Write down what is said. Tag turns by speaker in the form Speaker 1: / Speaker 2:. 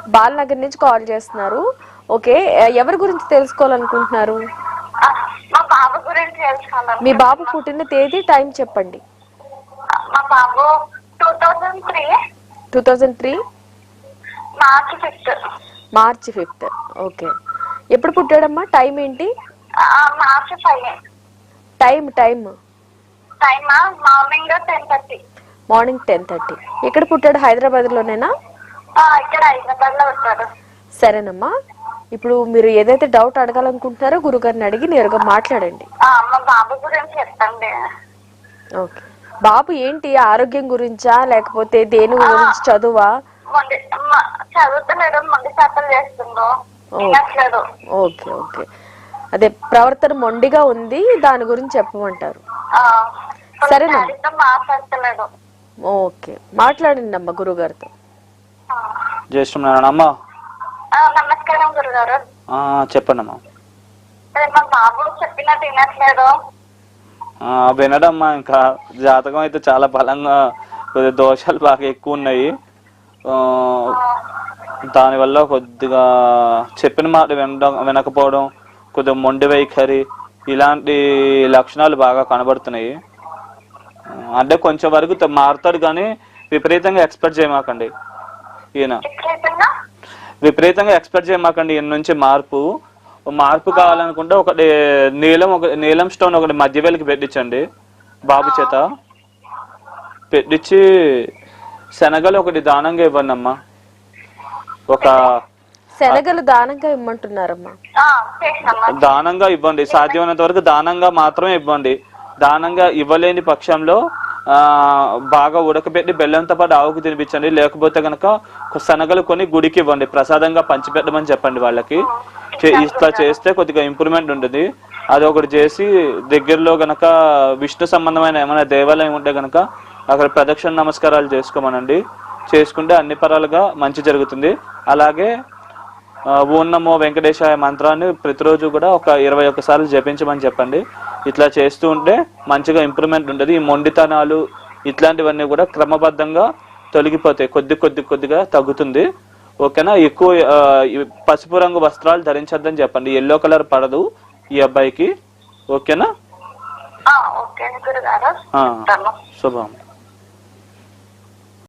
Speaker 1: బాలనగర్ నుంచి కాల్ చేస్తున్నారు. ఓకే, ఎవరి గురించి తెలుసుకోవాలనుకుంటున్నారు?
Speaker 2: మా బాబు గురించి తెలుసుకోవాలి.
Speaker 1: మీ బాబు పుట్టిన తేదీ, టైం చెప్పండి.
Speaker 2: మా బాబు 2003
Speaker 1: 2003
Speaker 2: మార్చి 5th.
Speaker 1: మార్చి 5th. ఓకే, ఎప్పుడు పుట్టాడమ్మా? టైం ఏంటి?
Speaker 2: మార్చి 5.
Speaker 1: Time
Speaker 2: morning 10:30.
Speaker 1: మార్నింగ్ 10:30. ఎక్కడ పుట్టాడు? హైదరాబాద్ లోనేనా?
Speaker 2: ఇక్కడ హైదరాబాద్ లో ఉంటాడు.
Speaker 1: సరేనమ్మా, ఇప్పుడు మీరు ఏదైతే డౌట్ అడగాలనుకుంటున్నారో గురుగారిని అడిగి నేరుగా మాట్లాడండి.
Speaker 2: మా బాబు గురించి చెప్పండి.
Speaker 1: ఓకే, బాబు ఏంటి, ఆరోగ్యం గురించా లేకపోతే దేని గురించి? చదువా?
Speaker 2: చదువుతలేడు, మొండి చేతలు చేస్తుండో.
Speaker 1: ఓకే ఓకే, అదే ప్రవర్తన మొండిగా ఉంది, దాని గురించి చెప్పమంటారు. సరేనా?
Speaker 2: మాట్లాడతలేడు.
Speaker 1: ఓకే, మాట్లాడండి అమ్మ గురుగారితో.
Speaker 3: జై శ్రీమన్నారాయణ.
Speaker 2: నమస్కారం గురుగారు.
Speaker 3: చెప్పండి అమ్మా.
Speaker 2: మా బాబు చెప్పినట్టు వినట్లేదు.
Speaker 3: వినడమ్మా, ఇంకా జాతకం అయితే చాలా బలంగా కొద్దిగా దోషాలు బాగా ఎక్కువ ఉన్నాయి. దానివల్ల కొద్దిగా చెప్పిన మాట వినకపోవడం, కొద్దిగా మొండి వైఖరి, ఇలాంటి లక్షణాలు బాగా కనబడుతున్నాయి. అంటే కొంచెం వరకు మారుతాడు కానీ విపరీతంగా ఎక్స్పెక్ట్ చేయమాకండి. విపరీతంగా ఎక్స్పెక్ట్ చేయమాకండి ఈయన నుంచి మార్పు కావాలనుకుంటే ఒకటి నీలం స్టోన్ ఒకటి మధ్య వేలికి పెట్టించండి. బాబు చేత పెట్టించి శనగలు ఒకటి దానంగా ఇవ్వండి అమ్మా.
Speaker 1: శనగలు దానంగా ఇవ్వమంటున్నారమ్మా?
Speaker 3: దానంగా ఇవ్వండి, సాధ్యమైనంత వరకు దానంగా మాత్రమే ఇవ్వండి. దానంగా ఇవ్వలేని పక్షంలో బాగా ఉడకబెట్టి బెల్లంతో పాటు ఆవుకు తినిపించండి. లేకపోతే కనుక శనగలు కొని గుడికి ఇవ్వండి, ప్రసాదంగా పంచిపెట్టమని చెప్పండి వాళ్ళకి. ఇట్లా చేస్తే కొద్దిగా ఇంప్రూవ్మెంట్ ఉంటుంది. అది ఒకటి చేసి దగ్గరలో గనక విష్ణు సంబంధమైన ఏమైనా దేవాలయం ఉంటే గనక అక్కడ ప్రదక్షిణ నమస్కారాలు చేసుకోమనండి. చేసుకుంటే అన్ని పరాలుగా మంచి జరుగుతుంది. అలాగే ఓం నమో వెంకటేశాయ మంత్రాన్ని ప్రతిరోజు కూడా ఒక 21 సార్లు జపించమని చెప్పండి. ఇట్లా చేస్తూ ఉంటే మంచిగా ఇంప్రూవ్మెంట్ ఉంటుంది. ఈ మొండితనాలు ఇట్లాంటివన్నీ కూడా క్రమబద్ధంగా తొలగిపోతాయి, కొద్దిగా తగ్గుతుంది. ఓకేనా? ఎక్కువ పసుపు రంగు వస్త్రాలు ధరించద్దని చెప్పండి. ఎల్లో కలర్ పడదు ఈ అబ్బాయికి. ఓకేనా?
Speaker 2: ఓకే గురుగారు.
Speaker 3: శుభం.